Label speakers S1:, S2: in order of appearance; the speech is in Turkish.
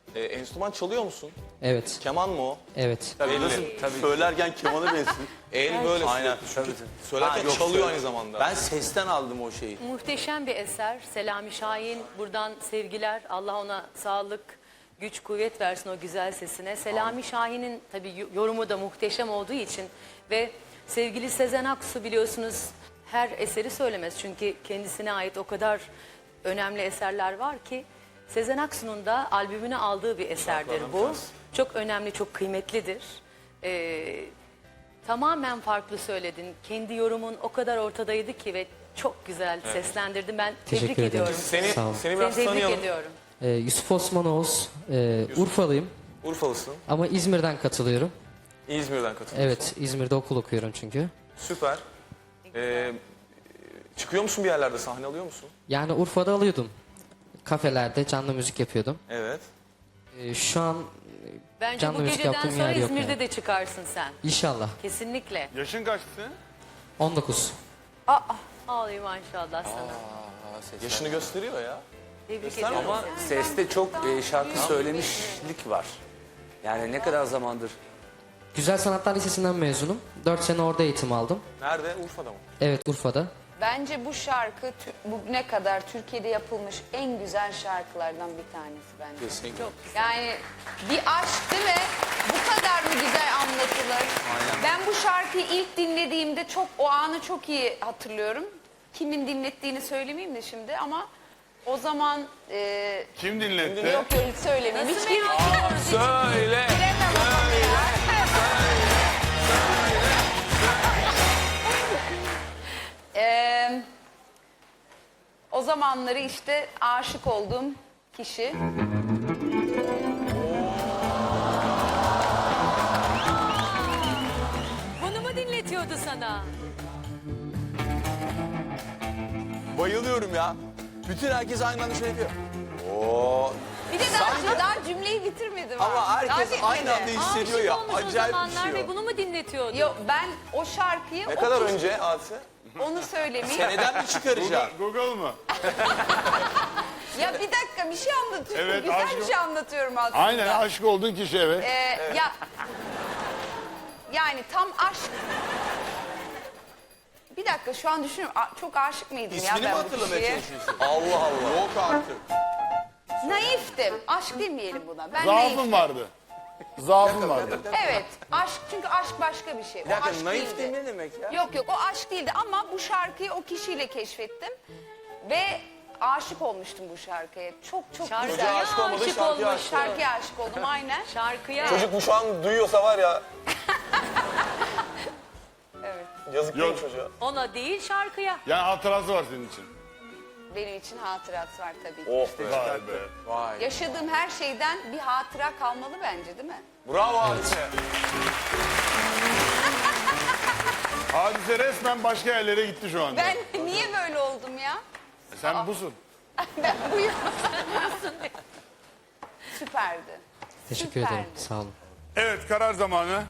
S1: Enstrüman çalıyor musun?
S2: Evet.
S1: Keman mı o?
S2: Evet.
S1: Tabii
S3: Nasıl? Tabii.
S1: Söylerken kemana bensin. El böyle
S3: Aynen.
S1: sürekli.
S3: Tabii.
S1: Söylerken
S3: yok,
S1: çalıyor
S3: söyle.
S1: aynı zamanda.
S3: Ben sesten aldım o şeyi.
S4: Muhteşem bir eser. Selami Şahin, buradan sevgiler. Allah ona sağlık, güç, kuvvet versin o güzel sesine. Selami Şahin'in tabii yorumu da muhteşem olduğu için ve sevgili Sezen Aksu biliyorsunuz her eseri söylemez. Çünkü kendisine ait o kadar önemli eserler var ki Sezen Aksu'nun da albümüne aldığı bir eserdir bu. Çok önemli, çok kıymetlidir. Tamamen farklı söyledin. Kendi yorumun o kadar ortadaydı ki ve çok güzel seslendirdin. Ben tebrik
S2: Teşekkür ederim.
S4: ediyorum.
S2: Sağ olun.
S1: Seni
S4: Seni
S1: biraz
S4: tebrik
S1: tanıyalım.
S4: ediyorum.
S2: Yusuf Osman Oğuz. Urfalıyım
S1: Urfalısın.
S2: ama İzmir'den katılıyorum.
S1: İzmir'den katılıyorsun.
S2: Evet, İzmir'de okul okuyorum çünkü.
S1: Süper. Çıkıyor musun bir yerlerde, sahne alıyor musun?
S2: Yani Urfa'da alıyordum. Kafelerde canlı müzik yapıyordum.
S1: Evet.
S2: Şu an
S4: Bence
S2: canlı
S4: bu
S2: müzik
S4: geceden
S2: yaptığım
S4: sonra
S2: yer yok
S4: İzmir'de
S2: yani.
S4: de çıkarsın sen.
S2: İnşallah.
S4: Kesinlikle.
S5: Yaşın kaçtı?
S2: 19.
S4: Ağlayayım maşallah sana.
S1: Yaşını gösteriyor ya.
S4: Tebrik
S1: Göster
S4: ediyorum.
S3: Ama seste çok şarkı söylemişlik var. Yani ne kadar zamandır.
S2: Güzel Sanatlar Lisesi'nden mezunum. 4 sene orada eğitim aldım.
S1: Nerede? Urfa'da mı?
S2: Evet, Urfa'da.
S6: Bence bu şarkı bugüne kadar Türkiye'de yapılmış en güzel şarkılardan bir tanesi bence.
S1: Kesinlikle.
S6: Yani bir aşk değil mi? Bu kadar mı güzel anlatılır? Ben bu şarkıyı ilk dinlediğimde o anı çok iyi hatırlıyorum. Kimin dinlettiğini söylemeyeyim de şimdi ama o zaman
S5: Kim dinletti?
S6: yok öyle söylemeyeyim. Hiç kim
S1: Söyle.
S6: bilemem ama ya. O zamanları işte aşık olduğum kişi.
S4: Bunu mu dinletiyordu sana?
S1: Bayılıyorum ya. Bütün herkes aynı anda şey yapıyor. Oo.
S6: Bir de daha cümleyi bitirmedim.
S1: Ama
S6: Daha
S1: herkes
S6: bitmedi.
S1: aynı anda hissediyor
S4: Aşık
S1: ya.
S4: olmuş o
S1: Acayip bir
S4: zamanlar
S1: şey
S4: ve
S1: o.
S4: bunu mu dinletiyordu?
S6: Yok ben o şarkıyı
S1: Ne kadar önce Hadise?
S6: onu söylemeyeyim.
S1: Seneden mi çıkaracağım?
S5: Google mı?
S6: Ya bir dakika bir şey anlatıyorum.
S5: Evet,
S6: Güzel
S5: aşk-
S6: bir şey anlatıyorum aslında.
S5: Aynen aşık olduğun kişi evet.
S6: Ya yani tam aşk. Bir dakika şu an düşünüyorum. Çok aşık mıydım ya
S1: İsmini mi
S6: ben bu
S1: hatırlamaya
S6: kişiye?
S1: çalışıyorsun? Allah Allah. Yok artık.
S6: Naiftim. Aşk demeyelim buna. Ben
S5: Zaafın
S6: naiftim.
S5: vardı. Zaafın vardı.
S6: Evet. Aşk çünkü aşk başka bir şey.
S1: Bir dakika,
S6: aşk
S1: naif
S6: değildi.
S1: ne demek ya?
S6: Yok o aşk değildi ama bu şarkıyı o kişiyle keşfettim. Ve aşık olmuştum bu şarkıya. Çok
S4: Şarkıya
S6: güzel.
S1: aşık olmadı,
S4: aşık
S1: şarkıya
S4: olmuş.
S1: aşık.
S6: Şarkıya aşık oldum aynen.
S4: Şarkıya.
S1: Çocuk bu şu an duyuyorsa var ya.
S6: Evet.
S1: Yazık değil mi
S5: Yok.
S1: çocuğa?
S4: Ona değil şarkıya.
S5: Yani hatırası var senin için.
S6: Benim için hatırası var tabii ki.
S1: Oh be.
S5: Vay be.
S1: Vay.
S6: Yaşadığım her şeyden bir hatıra kalmalı bence değil mi?
S1: Bravo Hadise.
S5: Hadise resmen başka yerlere gitti şu anda.
S6: Ben niye böyle oldum ya?
S5: Sen busun.
S6: Ben buyum. Süperdi.
S2: Teşekkür
S6: Süperdi.
S2: ederim. Sağ olun.
S5: Evet karar zamanı.